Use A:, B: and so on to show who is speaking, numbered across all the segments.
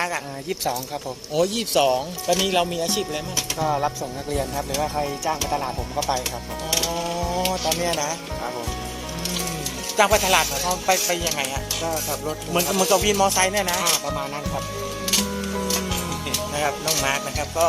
A: มาร์กอ่ะ
B: 22ครับผม
A: โอ้22ตอนนี้เรามีอาชีพอะไรบ้าง
B: ก็รับส่งนักเรียนครับหรือว่าใครจ้างไปตลาดผมก็ไปครับผม
A: อ๋อตอนเนี้ยนะครับ
B: ผม
A: จ้างไปตลาดเขาไปยังไงอ่ะ
B: ก็ขับรถ
A: เหมือนกับวินมอไซค์เนี่ยนะ
B: ประมาณนั้นครับ
A: นะครับน้องมาร์กนะครับก็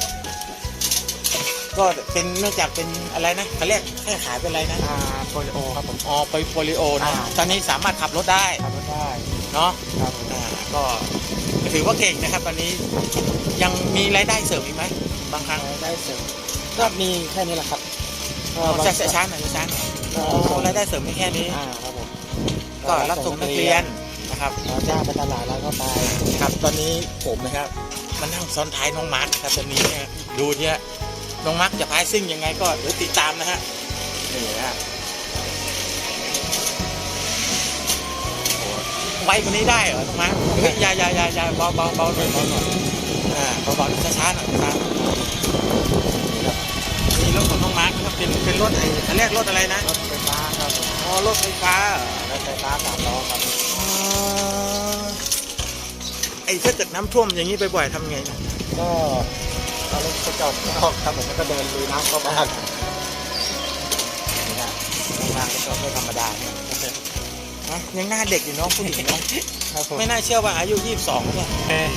A: เป็นเนื่องจากเป็นอะไรนะเขาเรียกให้ขายเป็นอะไรนะ
B: โปลิโอครับผม
A: อ๋อไปโปลิโอนะตอนนี้สามารถขับรถได้เนาะ
B: ครับ
A: ก็ถือว่าเก่งนะครับตอนนี้ยังมีรายได้เสริมอีกไหมบางครั้ง
B: ได้เสริมก็มีแค่นี้แหละครับ
A: ช้าหน่อยรายได้เสริมมีแค่นี้
B: ครับผม
A: ก็รับส่งนักเรียนนะครับ
B: จ้างไปตลาดแล้วก็ไป
A: ครับตอนนี้ผมนะครับมันนั่งซ้อนท้ายน้องมาร์คครับตอนนี้เนี่ยดูเนี่ยน้องมาร์คจะพายซิ่งยังไงก็เดี๋ยวติดตามนะฮะนี่นะฮะไวกว่านี้ได้เหรอน้องมาร์คอย่าเบาหน่อยเบาหน่อยเบาช้าหน่อยนี่รถของน้องมาร์คนะครับเป็นรถอันแรกรถอะไรนะ
B: รถไฟฟ้าครับ
A: อ๋อรถไฟฟ้าร
B: ถไฟฟ้า3 ล้อครับ
A: ถ้าเกิดน้ำท่วมอย่างนี้บ่อยๆทำไงนะ
B: ก็เอารถไปจอดข้างนอกครับผมก็เดินลุยน้ำเข้าบ้าน
A: นี่นะงานก็ไม่ธรรมดานะยังหน้าเด็กอยู่น้องผู้หญิงน้องไม่น่าเชื่อว่าอายุ22เนี่ย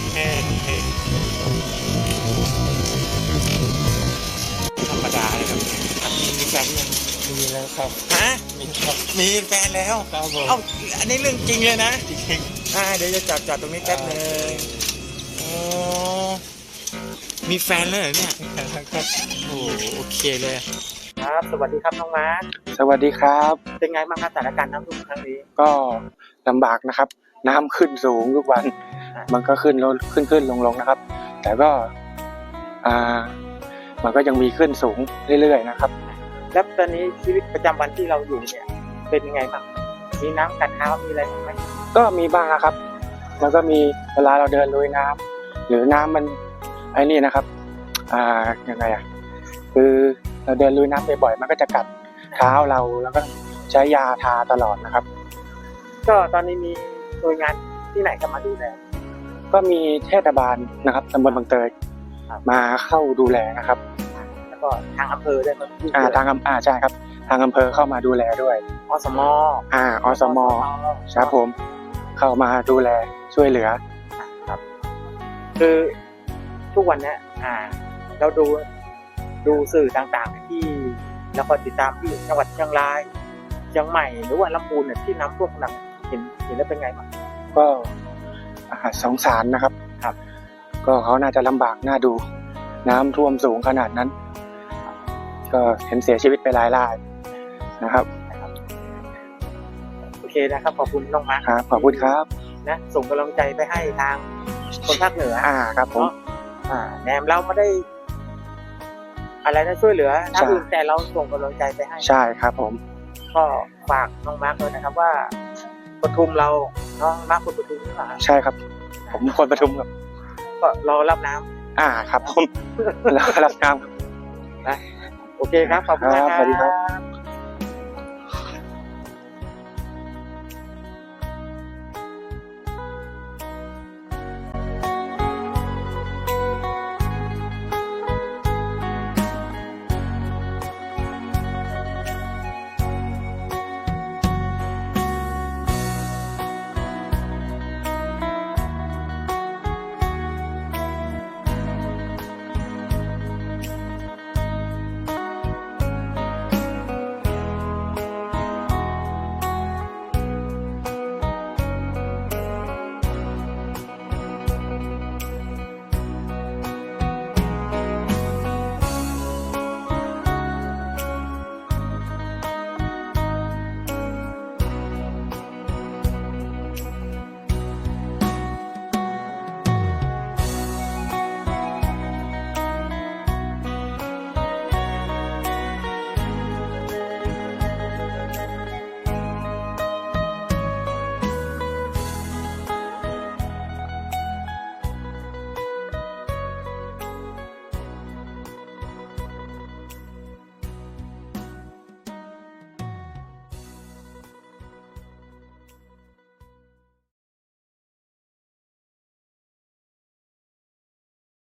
A: ธรรมดาเลยครับมีแฟนยัง
B: มีแล้วครับ
A: มีแฟนแล้ว
B: ครับผม
A: อันนี้เรื่องจริงเลยนะ
B: จริง
A: เดี๋ยวจะจอดตรงนี้แป๊บนึงมีแฟนแล้วเหรอเนี่ยโอเคเลยครับสวัสดีครับน้องมาร์ค
B: สวัสดีครับ
A: เป็นไงบ้างครับสถานการณ์น้ำท่วมครั้งนี้
B: ก็ลำบากนะครับน้ำขึ้นสูงทุกวันมันก็ขึ้นลงนะครับแต่ก็มันก็ยังมีขึ้นสูงเรื่อยๆนะครับ
A: แล้วตอนนี้ชีวิตประจำวันที่เราอยู่เนี่ยเป็นยังไงบ้างมีน้ำกัดเท้ามีอะไรไหม
B: ก็มีบ้างนะครับมันก็มีเวลาเราเดินลุยน้ำหรือน้ำมันไอ้นี่นะครับยังไงคือเราเดินลุยน้ำบ่อยๆมันก็จะกัดเท้าเราแล้วก็ใช้ยาทาตลอดนะครับ
A: ก็ตอนนี้มีหน่วยงานที่ไหนเข้ามาดูแล
B: ก็มีเทศบาลนะครับตำบลบางเตยมาเข้าดูแลนะครับ
A: แล้วก็ทางอำเภอได้มา
B: ใช่ครับทางอำเภอเข้ามาดูแลด้วย
A: อสม
B: อสมครับผมเข้ามาดูแลช่วยเหลือ
A: ครับคือทุกวันนี้เราดูสื่อต่างๆที่เราก็ติดตามที่จังหวัดเชียงรายเชียงใหม่หรือว่าลำพูนเนี่ยที่น้ำท่วมหนักเห็นแล้วเป็นไงบ้าง
B: ก็สงสารนะครับก็เขาน่าจะลำบากน่าดูน้ำท่วมสูงขนาดนั้นก็เห็นเสียชีวิตไปหลายรายนะครับ
A: โอเคนะครับขอบคุณน้องมาร์ค
B: ครับขอบคุณครับ
A: นะส่งกำลังใจไปให้ทางคนภาคเหนือ
B: ครับผม
A: แหนมเราไม่ได้อะไรนะช่วยเหลือท่านอื่นแต่เราส่งกำลังใจไปให้
B: ใช่ครับผม
A: ก็ฝากน้องมาร์คเลยนะครับว่าปทุมเราน้องมาร์คคนปทุมหรือเปล่า
B: ใช่ครับผมคนปทุมครับ
A: ก็รอรับน้ำ
B: ครับผมรอรับน้ำ
A: นะโอเคครับขอบคุณครับ
B: สวัสดีครับ